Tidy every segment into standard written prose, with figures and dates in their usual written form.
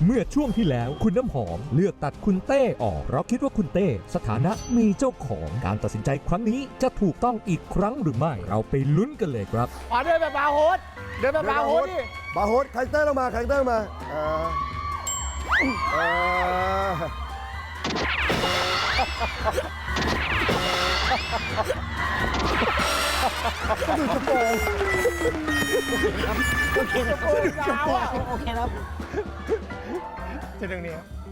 เมื่อช่วงที่แล้วคุณน้ำหอมเลือกตัดคุณเต้ออกเพราะคิดว่าคุณเต้สถานะมีเจ้าของการตัดสินใจครั้งนี้จะถูกต้องอีกครั้งหรือไม่เราไปลุ้นกันเลยครับเดินแบบบาร์โฮสเดินแบบบาร์โฮสดิบาร์โฮสคาแรคเตอร์ลงมาคาแรคเตอร์มาก็ดูกระโปรงโอเคครับโอเคครับจะดึงนี้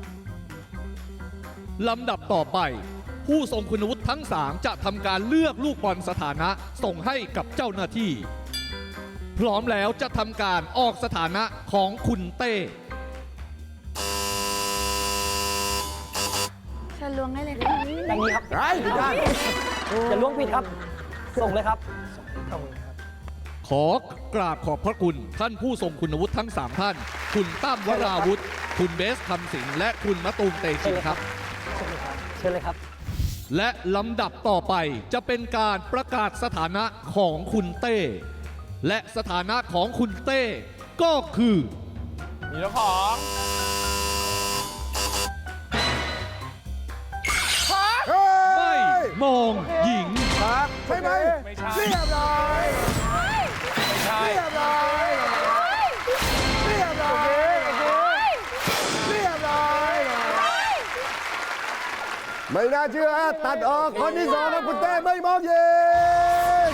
ลำดับต่อไป ผู้ทรงคุณวุฒิทั้ง 3 จะทำการเลือกลูกบอลสถานะส่งให้กับเจ้าหน้าที่ พร้อมแล้วจะทำการออกสถานะของคุณเต้เชิญล้วงได้เลยค่ะอย่างนี้ครับไอ้ผิดด้านอย่าล้วงผิดครับ ส่งเลยครับขอกราบขอบพระคุณท่านผู้ทรงคุณวุฒิทั้ง 3 ท่าน คุณตั้มวราวุธ คุณเบสคำสิงห์และคุณมะตูมเตชินครับเชิญเลยครับและลำดับต่อไปจะเป็นการประกาศสถานะของคุณเต้ และสถานะของคุณเต้ก็คือมีเจ้าของไม่มองหญิงครับใช่ไหมไม่ใช่เรียบร้อยไม่ใช่เรียบร้อยเรียบร้อยเรียบร้อยไม่น่าเชื่อตัดออกคนที่สองครับคุณเต้ไม่มองยิง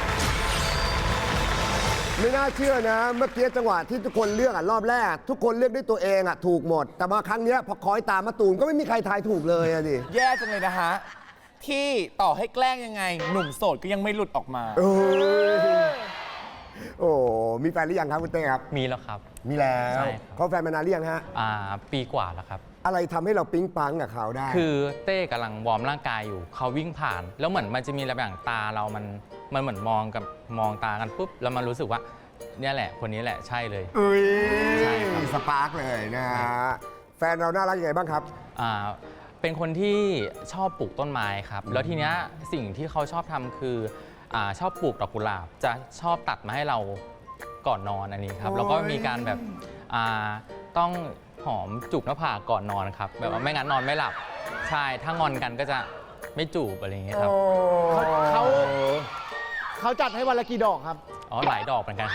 ไม่น่าเชื่อนะเมื่อกี้จังหวะที่ทุกคนเลือกรอบแรก ทุกคนเลือกด้วยตัวเองถูกหมด แต่มาครั้งนี้พอคอยตามมะตูมก็ไม่มีใครทายถูกเลยดิแย่จังเลยนะฮะ ที่ต่อให้แกล้งยังไง หนุ่มโสดก็ยังไม่หลุดออกมาโอ้มีแฟนหรือยังครับคุณเต้ครับมีแล้วครับมีแล้วใช่ครับเขาแฟนมานานหรือยังฮะปีกว่าแล้วครับอะไรทำให้เราปิ๊งปังกับเขาได้คือเต้กำลังวอร์มร่างกายอยู่เขาวิ่งผ่าน แล้วเหมือนมันจะมีอะไรบางตาเรามันเหมือนมองตากันปุ๊บแล้วมันรู้สึกว่าเนี่ยแหละคนนี้แหละใช่เลยเอ้ยใช่ครับสปาร์กเลยนะฮะแฟนเราน่ารักยังไงบ้างครับเป็นคนที่ชอบปลูกต้นไม้ครับ แล้วทีเนี้ยสิ่งที่เขาชอบทำคือชอบปลูกดอกกุหลาบ จะชอบตัดมาให้เราก่อนนอนอันนี้ครับ แล้วก็มีการแบบต้องหอมจูบหน้าผากก่อนนอนครับ แบบว่าไม่งั้นนอนไม่หลับ ใช่ ถ้างอนกันก็จะไม่จูบอะไรอย่างเงี้ยครับเขาจัดให้วันละกี่ดอกครับอ๋อ หลายดอกเหมือนกันครับ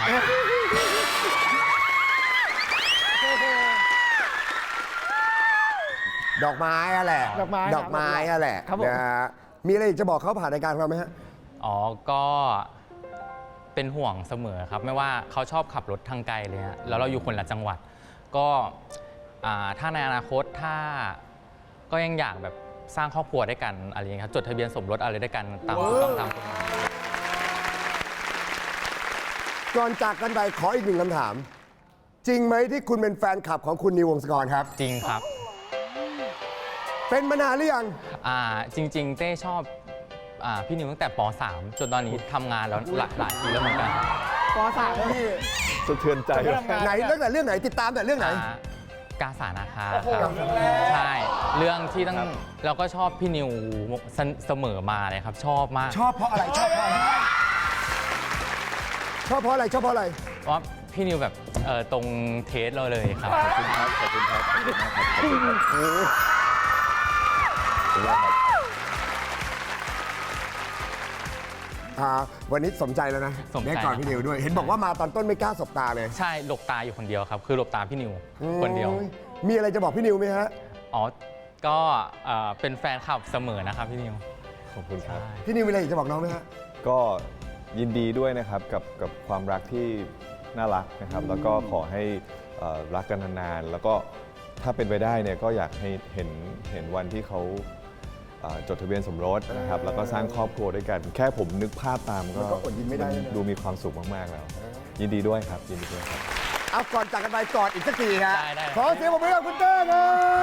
ดอกไม้อะแหละดอกไม้ดอกไม้อะแหละครับผมนะฮะมีอะไรอีกจะบอกเขาผ่านรายการเราไหมฮะอ๋อ ก็เป็นห่วงเสมอครับ ไม่ว่าเขาชอบขับรถทางไกลเลยฮะแล้วเราอยู่คนละจังหวัด ก็ถ้าในอนาคตถ้าก็ยังอยากแบบสร้างครอบครัวด้วยกันอะไรอย่างเงี้ยครับจดทะเบียนสมรสอะไรด้วยกันตามถูกต้องตามกฎหมายก่อนจากกันไปขออีกหนึ่งคำถาม จริงไหมที่คุณเป็นแฟนคลับของคุณนิววงศกรครับจริงครับเป็นมานานหรือยังจริง ๆ เต้ชอบพี่นิวตั้งแต่ป .3 จนตอนนี้ทำงานแล้วหลายปีแล้วเหมือนกันป .3 แล้วพี่สะเทือนใจไหนเรื่องไหนเรื่องไหนติดตามแต่เรื่องไหนกาสานาคาครับใช่เรื่องที่ตั้งเราก็ชอบพี่นิวเสมอมาเลยครับ ชอบมากชอบเพราะอะไรชอบเพราะอะไรชอบเพราะอะไรชอบเพราะอะไรว่าพี่นิวแบบตรงเทสเราเลยครับ ขอบคุณครับ ขอบคุณครับ ขอบคุณมากครับขอบคุณครับวันนี้สมใจแล้วนะสมใจได้ก่อนพี่นิวด้วย เห็นบอกว่ามาตอนต้นไม่กล้าสบตาเลยใช่หลบตาอยู่คนเดียวครับ คือหลบตาพี่นิวคนเดียวโอ้มีอะไรจะบอกพี่นิวไหมฮะอ๋อ ก็เป็นแฟนคลับเสมอนะครับพี่นิวขอบคุณครับพี่นิวมีอะไรอยากจะบอกน้องไหมฮะก็ยินดีด้วยนะครับกับความรักที่น่ารักนะครับ แล้วก็ขอให้รักกันนานๆ แล้วก็ถ้าเป็นไปได้เนี่ยก็อยากให้เห็นวันที่เขาจดทะเบียนสมรสนะครับ แล้วก็สร้างครอบครัวด้วยกัน แค่ผมนึกภาพตามมันก็อดยิ้มไม่ได้นะดูมีความสุขมากๆแล้ว ยินดีด้วยครับ ยินดีด้วยครับเอาก่อนจากกันไปกอดอีกสักทีฮะได้ขอเสียงปรบมือให้กับคุณเต้ครับ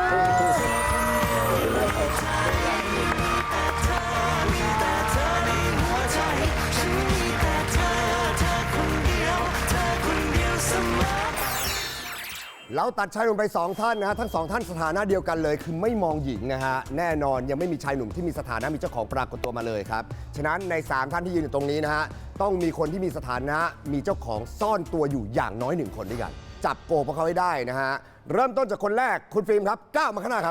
เราตัดชายหนุ่มไป 2 ท่านนะฮะทั้ง 2 ท่านสถานะเดียวกันเลย คือไม่มองหญิงนะฮะแน่นอนยังไม่มีชายหนุ่มที่มีสถานะมีเจ้าของปรากฏตัวมาเลยครับฉะนั้นใน 3 ท่านที่ยืนอยู่ตรงนี้นะฮะต้องมีคนที่มีสถานะมีเจ้าของซ่อนตัวอยู่อย่างน้อย 1 คนด้วยกันจับโกพวกเขาให้ได้นะฮะ เริ่มต้นจากคนแรกคุณฟิล์มครับก้าวมาข้างหน้าครับ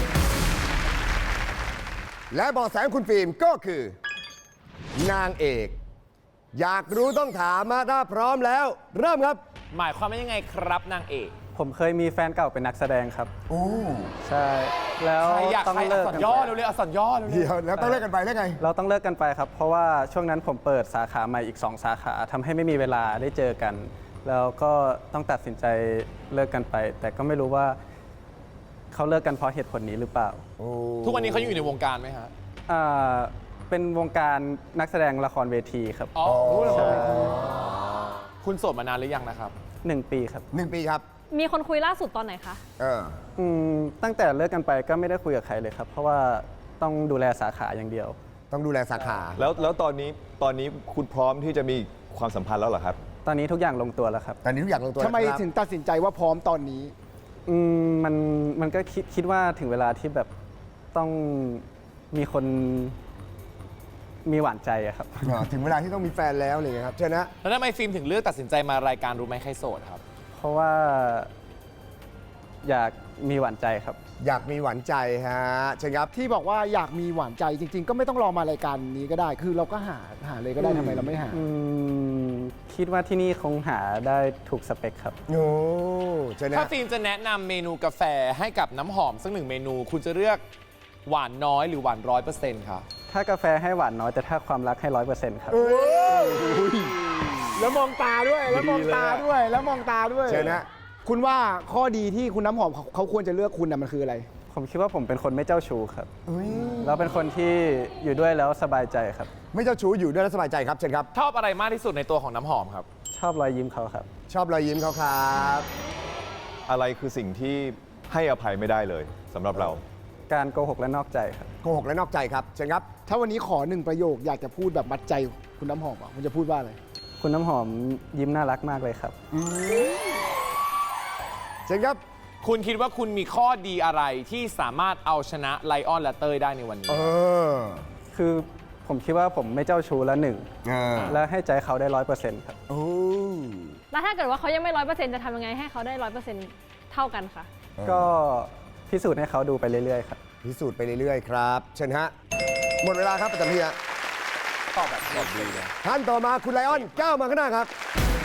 และเบาะแสของคุณฟิล์มก็คือ นางเอก อยากรู้ต้องถามมาถ้าพร้อมแล้ว เริ่มครับหมายความว่ายังไงครับนางเอกผมเคยมีแฟนเก่าเป็นนักแสดงครับโอ้ใช่ แล้วใครอยากต้องใครอัเลิกกษกัรนย่อไปเร็วๆอักษรย่อเร็วเดี๋ยวแล้วต้องเลิกกันไปได้ไงเราต้องเลิกกันไปครับ เพราะว่าช่วงนั้นผมเปิดสาขาใหม่อีก 2 สาขาทำให้ไม่มีเวลาได้เจอกัน แล้วก็ต้องตัดสินใจเลิกกันไป แต่ก็ไม่รู้ว่าเขาเลิกกันเพราะเหตุผลนี้หรือเปล่าๆทุกวันนี้เขายังอยู่ในวงการไหมฮะอ่าเป็นวงการนักแสดงละครเวทีครับอ๋อใช่คุณโสดมานานหรือยังนะครับ 1 ปีครับ 1 ปีครับมีคนคุยล่าสุดตอนไหนคะเออตั้งแต่เลิกกันไปก็ไม่ได้คุยกับใครเลยครับ เพราะว่าต้องดูแลสาขาอย่างเดียวต้องดูแลสาขาแล้วตอนนี้คุณพร้อมที่จะมีความสัมพันธ์แล้วเหรอครับตอนนี้ทุกอย่างลงตัวแล้วครับตอนนี้ทุกอย่างลงตัวทำไมแล้วครับถึงตัดสินใจว่าพร้อมตอนนี้มันก็คิดว่าถึงเวลาที่แบบต้องมีคนมีหวานใจอะครับถึงเวลาที่ต้องมีแฟนแล้วอะไรอย่างเงี้ยครับเชิญนะแล้วทำไมฟิล์มถึงเลือกตัดสินใจมารายการรู้ไหมใครโสดครับเพราะว่าอยากมีหวานใจครับอยากมีหวานใจฮะเชิญครับที่บอกว่าอยากมีหวานใจจริง ๆ ก็ไม่ต้องรอมารายการนี้ก็ได้ คือเราก็หาเลยก็ได้ทำไมเราไม่หาคิดว่าที่นี่คงหาได้ถูกสเปคครับโอ้เชิญนะถ้าฟิล์มจะแนะนำเมนูกาแฟให้กับน้ำหอมสักหนึ่งเมนู คุณจะเลือกหวานน้อยหรือหวาน100%ครับถ้ากาแฟให้หวานน้อยแต่ถ้าความรักให้100%ครับแล้วมองตาด้วย แล้วมองตาด้วย แล้วมองตาด้วยเชิญนะคุณว่าข้อดีที่คุณน้ำหอมเขาควรจะเลือกคุณน่ะมันคืออะไรผมคิดว่าผมเป็นคนไม่เจ้าชู้ครับแล้วเป็นคนที่อยู่ด้วยแล้วสบายใจครับไม่เจ้าชู้อยู่ด้วยแล้วสบายใจครับเชิญครับชอบอะไรมากที่สุดในตัวของน้ำหอมครับชอบรอยยิ้มเขาครับชอบรอยยิ้มเขาครับอะไรคือสิ่งที่ให้อภัยไม่ได้เลยสำหรับเราการโกหกและนอกใจครับโกหกและนอกใจครับเชิญครับถ้าวันนี้ขอหนึ่งประโยคอยากจะพูดแบบมัดใจคุณน้ำหอมอ่ะคุณจะพูดว่าอะไรคุณน้ำหอมยิ้มน่ารักมากเลยครับเชิญครับคุณคิดว่าคุณมีข้อดีอะไรที่สามารถเอาชนะไลออนและเต้ยได้ในวันนี้คือผมคิดว่าผมไม่เจ้าชู้แล้วหนึ่งเออและให้ใจเขาได้100%ครับโอ้แล้วถ้าเกิดว่าเขายังไม่100%จะทำยังไงให้เขาได้100%เท่ากันคะก็พิสูจน์ให้เขาดูไปเรื่อยๆครับพิสูจน์ไปเรื่อยๆครับเชิญฮะหมดเวลาครับประจำที่ฮะตอบแบบตอบดีเลยท่านต่อมาคุณไลออนก้าวมาข้างหน้าครับ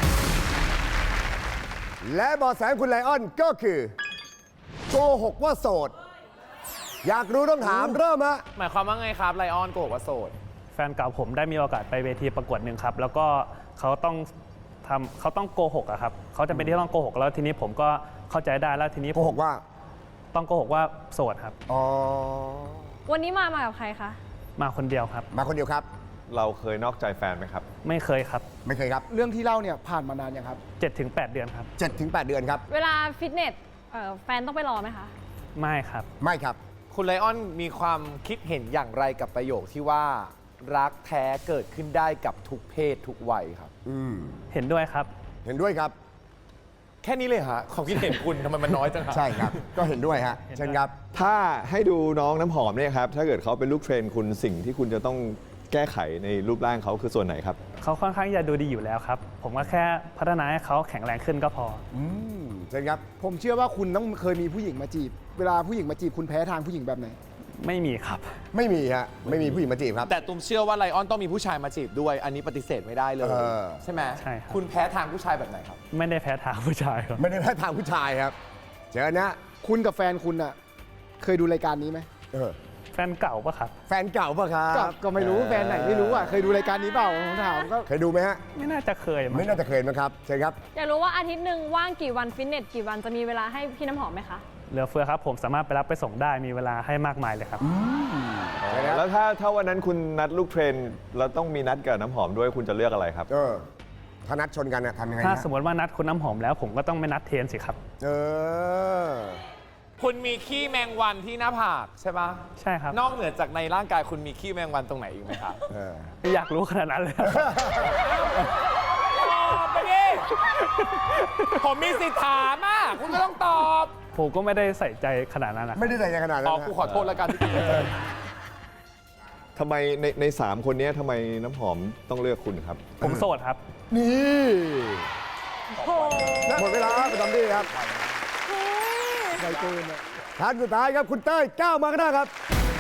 และเบอแสของคุณไลออนก็คือโกหกว่าโสด อยากรู้ต้องถามเริ่มฮะหมายความว่าไงครับไลออนโกหกว่าโสดแฟนเก่าผมได้มีโอกาสไปเวทีประกวดหนึ่งครับ แล้วก็เขาต้องโกหกอะครับเขาจะเป็นที่ต้องโกหกแล้วทีนี้ผมก็เข้าใจได้แล้วทีนี้โกหกว่าต้องโกหกว่าโสดครับอ๋อวันนี้มากับใครคะมาคนเดียวครับมาคนเดียวครับเราเคยนอกใจแฟนไหมครับไม่เคยครับไม่เคยครับเรื่องที่เล่าเนี่ยผ่านมานานยังครับ 7-8 เดือนครับ 7-8 เดือนครับเวลาฟิตเนสแฟนต้องไปรอไหมคะไม่ครับไม่ครับคุณไลออนมีความคิดเห็นอย่างไรกับประโยคที่ว่า รักแท้เกิดขึ้นได้กับทุกเพศทุกวัยครับเห็นด้วยครับเห็นด้วยครับแค่นี้เลยฮะความคิดเห็นคุณทำไมมันน้อยจังครับใช่ครับ ก็เห็นด้วยฮะเชิญครับถ้าให้ดูน้องน้ำหอมเนี่ยครับ ถ้าเกิดเขาเป็นลูกเทรนคุณสิ่งที่คุณจะต้องแก้ไขในรูปร่างเขาคือส่วนไหนครับเขาค่อนข้างจะดูดีอยู่แล้วครับ ผมก็แค่พัฒนาให้เขาแข็งแรงขึ้นก็พอเชิญครับผมเชื่อว่าคุณต้องเคยมีผู้หญิงมาจีบ เวลาผู้หญิงมาจีบคุณแพ้ทางผู้หญิงแบบไหนไม่มีครับไม่มีฮะ ไม่มีผู้หญิงมาจีบครับแต่ตุ้มเชื่อว่าไลออนต้องมีผู้ชายมาจีบด้วย อันนี้ปฏิเสธไม่ได้เลยเออใช่ไหมใช่ครับคุณแพ้ทางผู้ชายแบบไหนครับไม่ได้แพ้ทางผู้ชายครับไม่ได้แพ้ทางผู้ชายครับ เชิญนะคุณกับแฟนคุณอ่ะเคยดูรายการนี้ไหมแฟนเก่าปะครับแฟนเก่าปะครับก็ไม่รู้แฟนไหนไม่รู้อ่ะเคยดูรายการนี้เปล่าผมถามก็เคยดูไหมฮะไม่น่าจะเคยมั้งไม่น่าจะเคยมั้งครับ เชิญครับอยากรู้ว่าอาทิตย์หนึ่งว่างกี่วันฟิตเนสกี่วันจะมีเวลาให้พี่น้ำหอมไหมคะเหลือเฟือครับ ผมสามารถไปรับไปส่งได้มีเวลาให้มากมายเลยครับแล้วถ้าวันนั้นคุณนัดลูกเทรนแล้วต้องมีนัดกับน้ำหอมด้วยคุณจะเลือกอะไรครับถ้านัดชนกันทำยังไงถ้านะสมมติว่านัดคุณน้ำหอมแล้วผมก็ต้องไม่นัดเทรนสิครับคุณมีขี้แมงวันที่หน้าผากใช่ปะใช่ครับนอกเหนือจากในร่างกายคุณมีขี้แมงวันตรงไหนอีกไหมครับอยากรู้ขนาดนั้นเลยตอบไปดิ ผมมีสิทธิ์ถามอ่ะคุณก็ต้องตอบผมก็ไม่ได้ใส่ใจขนาดนั้นนะไม่ได้ใส่ใจขนาดนั้นอ๋อนะกูขอโทษแล้วกันที่ทำไมใน3 คนนี้ทำไมน้ำหอมต้องเลือกคุณครับผมโสดครับนี่โอ้และหมดเวลาประจำที่ครับไวเกินอะท่านสุดท้ายครับคุณเต้ยก้าวมาก็ได้ครับ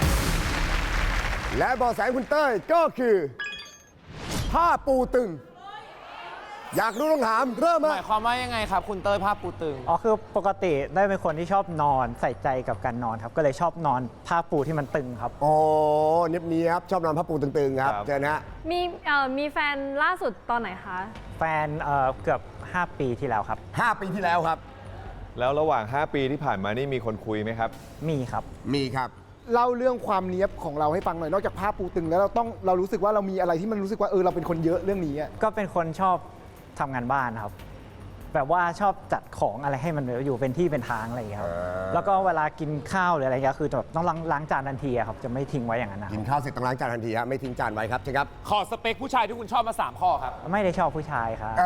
และเบาะแสคุณเต้ยก็คือ ผ้าปูตึง อยากรู้ต้องถามเริ่มหมามายความว่ายังไงครับ คุณเต้ยผ้าปูตึงอ๋อคือปกติได้เป็นคนที่ชอบนอนใส่ใจกับการนอนครับ ก็เลยชอบนอนผ้าปูที่มันตึงครับโอ้เนียบๆชอบนอนผ้าปูตึงๆครับครับเจอนะฮะมีแฟนล่าสุดตอนไหนคะแฟนเกือบ 5 ปีที่แล้วครับ 5 ปีที่แล้วครับแล้วระหว่าง 5 ปีที่ผ่านมานี่มีคนคุยไหมครับมีครับมีครับเล่าเรื่องความเนี้ยบของเราให้ฟังหน่อยนอกจากผ้าปูตึงแล้วเรารู้สึกว่าเรามีอะไรที่มันรู้สึกว่าเราเป็นคนเยอะเรื่องนี้อะก็เป็นคนชอบทำงานบ้านครับ แบบว่าชอบจัดของอะไรให้มันอยู่เป็นที่เป็นทางอะไรอย่างเงี้ยครับ แล้วก็เวลากินข้าวหรืออะไรเงี้ยคือแบบต้องล้างจานทันทีอะครับ จะไม่ทิ้งไว้อย่างนั้นนะคกิรันบข้าวเสร็จต้องล้างจานทันทีฮะไม่ทิ้งจานไว้ครับใช่ครับขอสเปคผู้ชายที่คุณชอบมา 3 ข้อครับไม่ได้ชอบผู้ชายครับ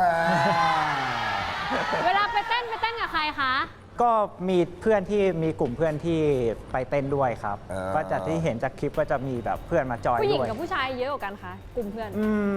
เวลาไปเต้นกับใครคะก็มีเพื่อนที่มีกลุ่มเพื่อนที่ไปเต้นด้วยครับ ก็จะที่เห็นจากคลิปก็จะมีแบบเพื่อนมาจอยผู้หญิงด้วยกับผู้ชายเยอะกว่ากันคะกลุ่มเพื่อน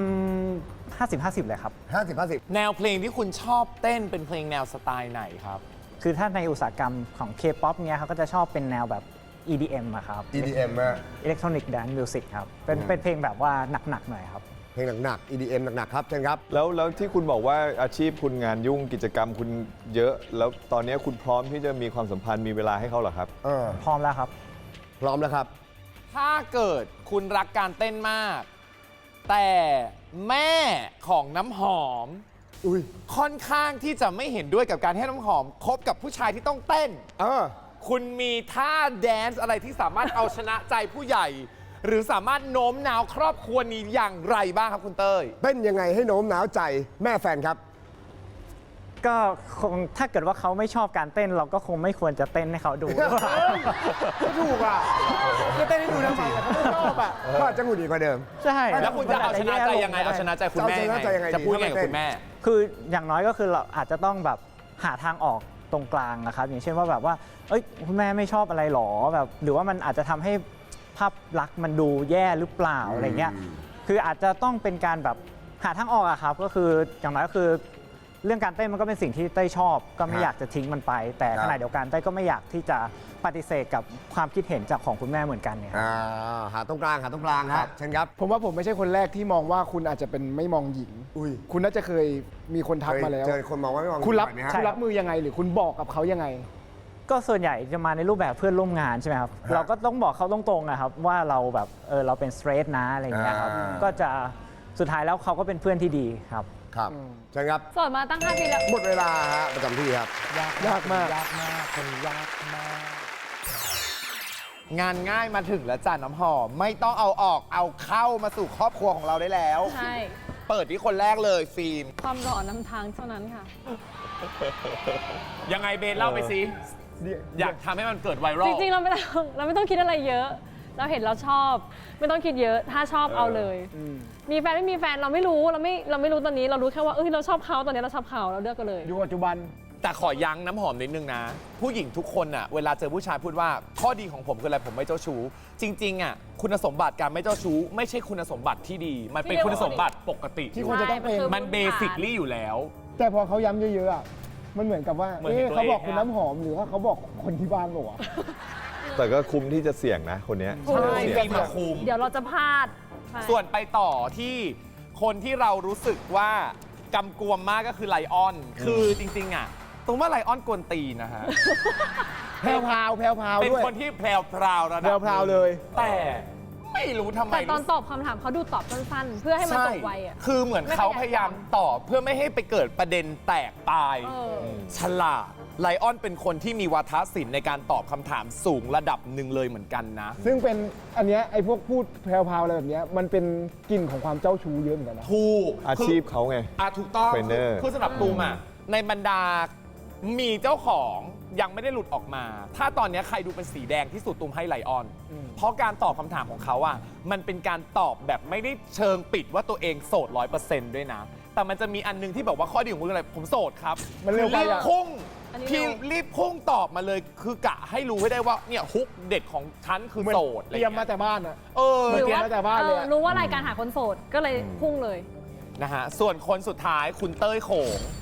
50-50 เลยครับ 50-50 แนวเพลงที่คุณชอบเต้นเป็นเพลงแนวสไตล์ไหนครับคือถ้าในอุตสาหกรรมของ K-POP เนี้ยเขาก็จะชอบเป็นแนวแบบ EDM อะครับ EDM อะ Electronic Dance Music ครับ เป็นเพลงแบบว่าหนักๆหน่อยครับเพลงหนักๆ EDM หนักๆครับเชิญครับแล้วที่คุณบอกว่าอาชีพคุณงานยุ่งกิจกรรมคุณเยอะ แล้วตอนนี้คุณพร้อมที่จะมีความสัมพันธ์มีเวลาให้เขาเหรอครับพร้อมแล้วครับพร้อมแล้วครับถ้าเกิดคุณรักการเต้นมาก แต่แม่ของน้ำหอมค่อนข้างที่จะไม่เห็นด้วยกับการให้น้ำหอมคบกับผู้ชายที่ต้องเต้น คุณมีท่าแดนซ์อะไรที่สามารถเอาชนะใจผู้ใหญ่ หรือสามารถโน้มน้าวครอบครัวนี้อย่างไรบ้างครับคุณเต้ยเต้นยังไงให้โน้มน้าวใจแม่แฟนครับก็คงถ้าเกิดว่าเขาไม่ชอบการเต้นเราก็คงไม่ควรจะเต้นให้เขาดูไม่ถูกอ่ะจะเต้นให้ดูทำไมอะเขาไม่ชอบอ่ะก็อาจจะหงุดหงิดกว่าเดิมใช่แล้วคุณจะเอาชนะใจยังไง เอาชนะใจคุณแม่จะเอาชนะใจยังไงจะพูดดียังไงกับคุณแม่คืออย่างน้อยก็คือเราอาจจะต้องแบบหาทางออกตรงกลางนะครับ อย่างเช่นว่าแบบว่า เอ้ยคุณแม่ไม่ชอบอะไรหรอแบบหรือว่ามันอาจจะทำให้ภาพลักษณ์มันดูแย่หรือเปล่าอะไรเงี้ยคืออาจจะต้องเป็นการแบบหาทางออกอะครับ ก็คืออย่างน้อยก็คือเรื่องการเต้นมันก็เป็นสิ่งที่เต้ยชอบ ก็ไม่อยากจะทิ้งมันไป แต่ขณะเดียวกันเต้ยก็ไม่อยากที่จะปฏิเสธกับความคิดเห็นจากของคุณแม่เหมือนกันเนี่ยหาตรงกลางครับเชิญครับผมว่าผมไม่ใช่คนแรกที่มองว่าคุณอาจจะเป็นไม่มองหญิง คุณน่าจะเคยมีคนทักมาแล้วเจอคนมองว่าไม่มองคุณรับหญิงบ่อยไหมฮะคุณรับมือยังไง หรือคุณบอกกับเขายังไงก็ส่วนใหญ่จะมาในรูปแบบเพื่อนร่วมงานใช่ไหมครับ เราก็ต้องบอกเขาตรงๆนะครับว่าเราแบบเราเป็นสเตรทนะอะไรอย่างเงี้ยครับ ก็จะสุดท้ายแล้วเขาก็เป็นเพื่อนที่ดีครับครับเชิญครับโสดมาตั้ง 5 ปีแล้วหมดเวลาฮะประจำที่ครับยากมากยากมากคนยากมาก งานง่ายมาถึงแล้วจ้าน้ำหอม ไม่ต้องเอาออกเอาเข้ามาสู่ครอบครัวของเราได้แล้วใช่เปิดที่คนแรกเลยฟิล์มความหล่อนำทางเท่านั้นค่ะยังไงเบนเล่าไปสิ อยากทำให้มันเกิดไวรัลจริงๆ เราไม่ต้องคิดอะไรเยอะ เราเห็นเราชอบ ไม่ต้องคิดเยอะ ถ้าชอบเอาเลย มีแฟนไม่มีแฟนเราไม่รู้เราไม่รู้ตอนนี้เรารู้แค่ว่าเราชอบเขาตอนนี้เราชอบเขาเราเลือกกันเลยอยู่ปัจจุบันแต่ขอยั้งน้ำหอมนิดนึงนะ ผู้หญิงทุกคนอะเวลาเจอผู้ชายพูดว่าข้อดีของผมคืออะไรผมไม่เจ้าชู้ จริงๆอะคุณสมบัติการไม่เจ้าชู้ ไม่ใช่คุณสมบัติที่ดี มันเป็นคุณสมบัติปกติที่ควรจะต้องเป็นมันเบสิคลี่อยู่แล้วแต่พอเขาย้ำเยอะๆอะมันเหมือนกับว่าเหมือนเห็นตัวเขาบอกเองคุณอะน้ำหอมหรือว่าเขาบอกคนที่บ้านบอกว่าแต่ก็คุ้มที่จะเสี่ยงนะคนเนี้ยใช่เสี่ยงฟิล์มมาคุมเดี๋ยวเราจะพลาดใช่ส่วนไปต่อที่คนที่เรารู้สึกว่ากำกวมมากก็คือไลออน คือจริงๆอะตรงว่าไลออนกวนตีนนะฮะแพรวๆเป็นด้วยคนที่แพรวพราวระดับแพรวๆเลยแต่ไม่รู้ทำไมแต่ตอนตอบคำถามเขาดูตอบสั้นๆ เพื่อให้มันจบไวอ่ะคือเหมือนเขาพยายามตอบเพื่อไม่ให้ไปเกิดประเด็นแตกตาย ฉลาดไลออนเป็นคนที่มีวาทศิลป์ในการตอบคำถามสูงระดับหนึ่งเลยเหมือนกันนะซึ่งเป็นอันเนี้ยไอ้พวกพูดแพรวๆอะไรแบบเนี้ยมันเป็นกลิ่นของความเจ้าชู้เยอะเหมือนกันนะถูกอาชีพเขาไงถูกต้องเทรนเนอร์คือสำหรับตูมอะในบรรดามีเจ้าของยังไม่ได้หลุดออกมา ถ้าตอนนี้ใครดูเป็นสีแดงที่สุดตูมให้ไลออน เพราะการตอบคำถามของเขาอะมันเป็นการตอบแบบไม่ได้เชิงปิดว่าตัวเองโสด 100% ด้วยนะ แต่มันจะมีอันนึงที่บอกว่าข้อดีของคุณคืออะไรผมโสดครับมันเร็วไปรีบอะพุ่งอันนี้พี่เร็วรีบพุ่งตอบมาเลย คือกะให้รู้ให้ได้ว่าเนี่ยฮุกเด็ดของฉันคือโสดอะไรเตรียมเงี้มาย แต่บ้านอะเออหรือว่า แต่บ้านเลยอะรู้ว่ารายการหาคนโสดก็เลยพุ่งเลยนะฮะส่วนคนสุดท้ายคุณเต้ยโขง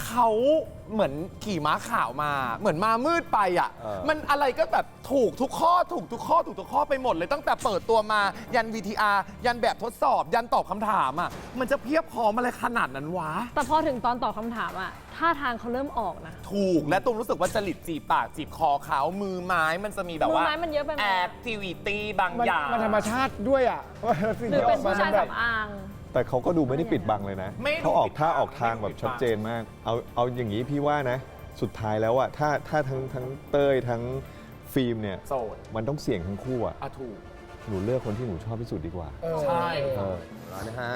เขาเหมือนขี่ม้าขาวมา เหมือนมามืดไปอ่ะ มันอะไรก็แบบถูกทุกข้อถูกทุกข้อไปหมดเลยตั้งแต่เปิดตัวมายัน VTR ยันแบบทดสอบ ยันตอบคำถามอ่ะมันจะเพียบพร้อมอะไรขนาดนั้นวะแต่พอถึงตอนตอบคำถามอะท่าทางเขาเริ่มออกนะถูกและตูมรู้สึกว่าจริตจีบปากจีบคอเขามือไม้มันจะมีแบบว่ามือไม้มันเยอะไปไหมแอคทิวิตี้บางอย่างมันธรรมชาติด้วยอ่ะสิ่งหรือที่เป็นกมผู้ชายแบบสำอางแต่เขาก็ดูไม่ได้ปิดบังเลยนะไม่ดูเขาออกท่าปิดบังออกทางแบบชัดเจนมาก เอาอย่างนี้พี่ว่านะ สุดท้ายแล้วอะถ้าทั้งเต้ยทั้งฟิล์มเนี่ยโสดมันต้องเสี่ยงทั้งคู่อะอ่ะถูกหนูเลือกคนที่หนูชอบที่สุดดีกว่าใช่เออเอานะฮะ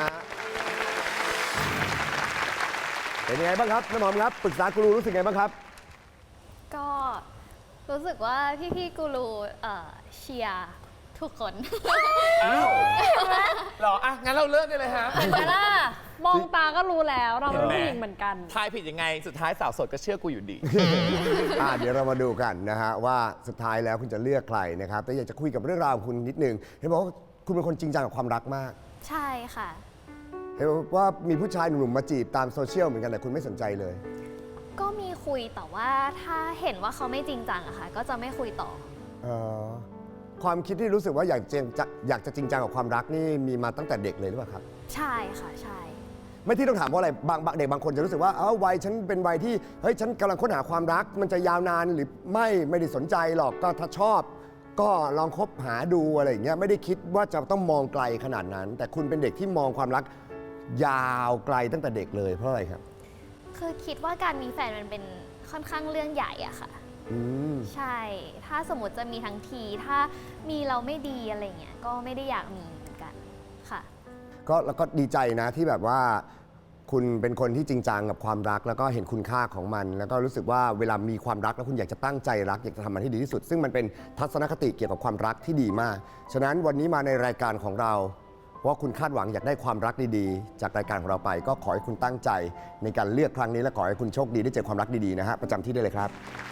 เป็นยังไงบ้างครับน้ำหอมครับปรึกษากูรูรู้สึกไงบ้างครับก็รู้สึกว่าพี่ๆกูรูเชียร์ทุกคนอ้าวเหรออ่ะงั้นเราเลิกได้เลยฮะเห็นไหมล่ะ มองตาก็รู้แล้ว เราเป็นเห็นไหมผู้หญิงเหมือนกันทายผิดยังไงสุดท้ายสาวโสดก็เชื่อกูอยู่ดีเดี๋ยวเรามาดูกันนะฮะว่าสุดท้ายแล้วคุณจะเลือกใครนะครับแต่อยากจะคุยกับเรื่องราวของคุณนิดนึงเห็นบอกว่าคุณเป็นคนจริงจังกับความรักมากใช่ค่ะเห็นบอกว่ามีผู้ชายหนุ่มๆมาจีบตามโซเชียลเหมือนกันแต่คุณไม่สนใจเลยก็มีคุยแต่ว่าถ้าเห็นว่าเขาไม่จริงจังอะค่ะ ก็จะไม่คุยต่อความคิดที่รู้สึกว่าอยากจะจริงจังกับความรักนี่มีมาตั้งแต่เด็กเลยหรือเปล่าครับใช่ค่ะใช่ไม่ที่ต้องถามเพราะอะไรบางเด็กบางคนจะรู้สึกว่าวัยฉันเป็นวัยที่เฮ้ยฉันกำลังค้นหาความรักมันจะยาวนานหรือไม่ได้สนใจหรอกก็ถ้าชอบ ก็ลองคบหาดูอะไรอย่างเงี้ยไม่ได้คิดว่าจะต้องมองไกลขนาดนั้น แต่คุณเป็นเด็กที่มองความรักยาวไกลตั้งแต่เด็กเลยเพราะอะไรครับคือคิดว่าการมีแฟนมันเป็นค่อนข้างเรื่องใหญ่อะค่ะ ใช่ ถ้าสมมติจะมีทั้งที ถ้ามีเราไม่ดีอะไรเงี้ย ก็ไม่ได้อยากมีเหมือนกัน ค่ะแล้วก็ดีใจนะที่แบบว่าคุณเป็นคนที่จริงจังกับความรัก แล้วก็เห็นคุณค่าของมัน แล้วก็รู้สึกว่าเวลามีความรักแล้วคุณอยากจะตั้งใจรักอยากจะทำมันให้ดีที่สุด ซึ่งมันเป็นทัศนคติเกี่ยวกับความรักที่ดีมาก ฉะนั้นวันนี้มาในรายการของเราว่าคุณคาดหวังอยากได้ความรักดีๆ จากรายการของเราไป ก็ขอให้คุณตั้งใจในการเลือกครั้งนี้และขอให้คุณโชคดีได้เจอความรักดีๆนะฮะประจำที่ได้เลยครับ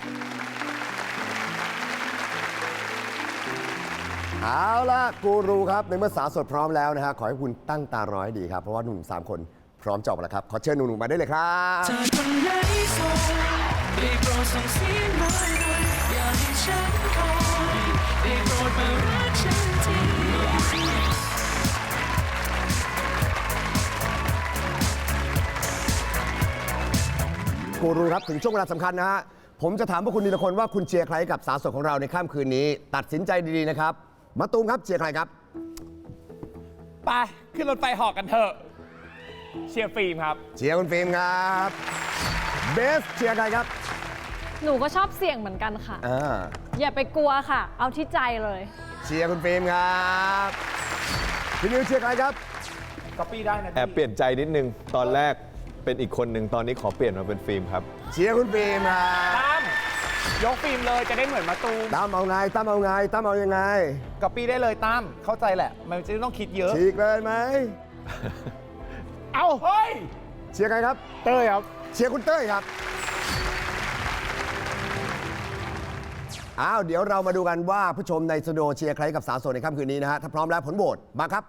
เอาล่ะกูรูครับในเมื่อสาวโสดพร้อมแล้วนะฮะขอให้คุณตั้งตารอให้ดีครับเพราะว่าหนุ่ม3 คนพร้อมจบแล้วครับขอเชิญหนุ่มๆมาได้เลยครับเธอคนไหนโสดได้โปรดส่งเสียงมาหน่อยอยากให้ฉันคอยได้โปรดมารักฉันทีกูรูครับถึงช่วงเวลาสำคัญนะฮะผมจะถามพวกคุณทีละคนว่าคุณเชียร์ใครกับสาวโสดของเราในค่ำคืนนี้ตัดสินใจดีๆนะครับมะตูมครับเชียร์ใครครับไป ขึ้นรถไฟเหอกกันเถอะ เชียร์ฟิล์มครับเชียร์คุณฟิล์มครับเบสเชียร์ใครครับหนูก็ชอบเสี่ยงเหมือนกันค่ะอ่าอย่าไปกลัวค่ะ เอาที่ใจเลยเชียร์คุณฟิล์มครับพี่นิวเชียร์ใครครับก็ปี้ได้นะแอบเปลี่ยนใจนิดนึง ตอนแรกเป็นอีกคนหนึ่งตอนนี้ขอเปลี่ยนมาเป็นฟิล์มครับเชียร์คุณฟิล์มครับตั้มยกฟิล์มเลยจะได้เหมือนมาตูมตั้มเอาไงตั้มเอาไงตั้มเอายังไงก็ปี้ได้เลยตั้มเข้าใจแหละ มันจะต้องคิดเยอะฉีกเลยไหมเอาเฮ้ยเชียร์ใครครับเต้ยครับเชียร์คุณเต้ยครับอ้าวเดี๋ยวเรามาดูกันว่าผู้ชมในสตูดิโอเชียร์ใครกับสาวโสดในค่ำคืนนี้นะฮะถ้าพร้อมแล้วผลโหวตมาครับ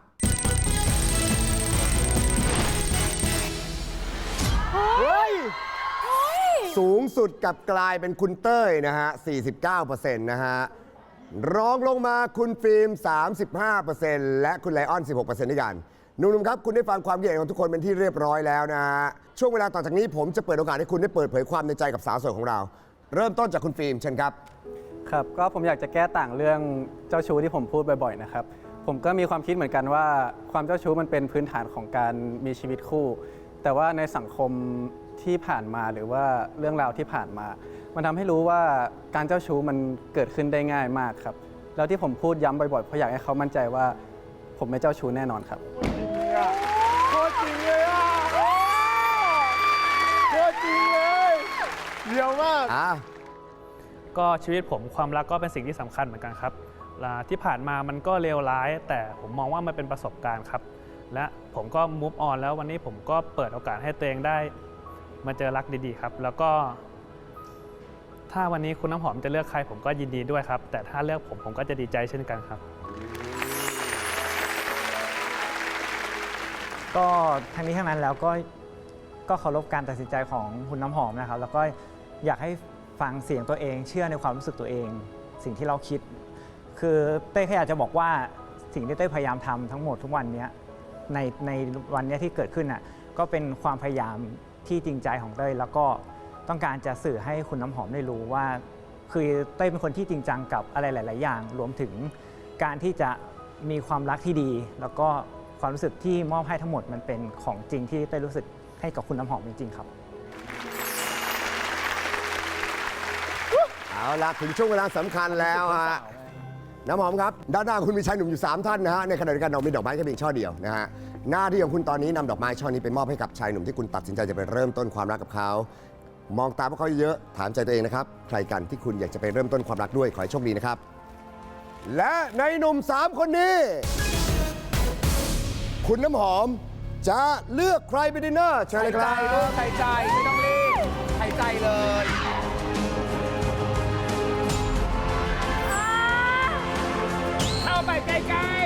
สูงสุดกับกลายเป็นคุณเต้ยนะฮะ 49% นะฮะ รองลงมาคุณฟิล์ม 35% และคุณไลออน 16% ด้วยกันหนุ่มๆครับ คุณได้ฟังความคิดเห็นของทุกคนเป็นที่เรียบร้อยแล้วนะฮะ ช่วงเวลาต่อจากนี้ผมจะเปิดโอกาสให้คุณได้เปิดเผยความในใจกับสาวโสดของเรา เริ่มต้นจากคุณฟิล์มเชิญครับครับก็ผมอยากจะแก้ต่างเรื่องเจ้าชู้ที่ผมพูดบ่อยๆนะครับผมก็มีความคิดเหมือนกันว่าความเจ้าชู้มันเป็นพื้นฐานของการมีชีวิตคู่ แต่ว่าในสังคมที่ผ่านมาหรือว่าเรื่องราวที่ผ่านมา มันทำให้รู้ว่าการเจ้าชู้มันเกิดขึ้นได้ง่ายมากครับแล้วที่ผมพูดย้ำบ่อยๆเพราะอยากให้เขามั่นใจว่าผมไม่เจ้าชู้แน่นอนครับโคตรจริงเลยอ่ะโคตรจริงเลยเดียวมากก็ชีวิตผมความรักก็เป็นสิ่งที่สำคัญเหมือนกันครับที่ผ่านมามันก็เลวร้าย แต่ผมมองว่ามันเป็นประสบการณ์ครับและผมก็ move on แล้ววันนี้ผมก็เปิดโอกาสให้ตัวเองได้มาเจอรักดีๆครับแล้วก็ถ้าวันนี้คุณน้ำหอมจะเลือกใครผมก็ยินดีด้วยครับแต่ถ้าเลือกผมก็จะดีใจเช่นกันครับก็ทั้งนี้ทั้งนั้นแล้วก็ก็เคารพการตัดสินใจของคุณน้ำหอมนะครับ แล้วก็อยากให้ฟังเสียงตัวเองเชื่อในความรู้สึกตัวเอง สิ่งที่เราคิด คือเต้ยแค่อยากจะบอกว่าสิ่งที่เต้ยพยายามทำทั้งหมดทุกวันนี้ในวันนี้ที่เกิดขึ้นน่ะก็เป็นความพยายามที่จริงใจของเต้ยแล้วก็ต้องการจะสื่อให้คุณน้ำหอมได้รู้ว่าคือเต้ยเป็นคนที่จริงจังกับอะไรหลาย ๆ อย่าง รวมถึงการที่จะมีความรักที่ดี แล้วก็ความรู้สึกที่มอบให้ทั้งหมดมันเป็นของจริงที่เต้ยรู้สึกให้กับคุณน้ำหอมจริง ๆ ครับเอาละถึงช่วงเวลาสำคัญแล้วฮะน้ำหอมครับด้านหน้าคุณมีชายหนุ่มอยู่ 3 ท่านนะฮะในขณะเดียวกันเรามีดอกไม้แค่เพียงช่อเดียวนะฮะหน้าที่ของคุณตอนนี้นำดอกไม้ช่อนี้ไปมอบให้กับชายหนุ่มที่คุณตัดสินใจจะไปเริ่มต้นความรักกับเขามองตาพวกเขาเยอะถามใจตัวเองนะครับใครกันที่คุณอยากจะไปเริ่มต้นความรักด้วยขอให้โชคดีนะครับและในหนุ่ม 3 คนนี้ คุณน้ำหอมจะเลือกใครไปดินเนอร์เชิญเลยครับใส่ใจไม่ต้องรีบใส่ใจเลย เข้าไปใกล้ๆ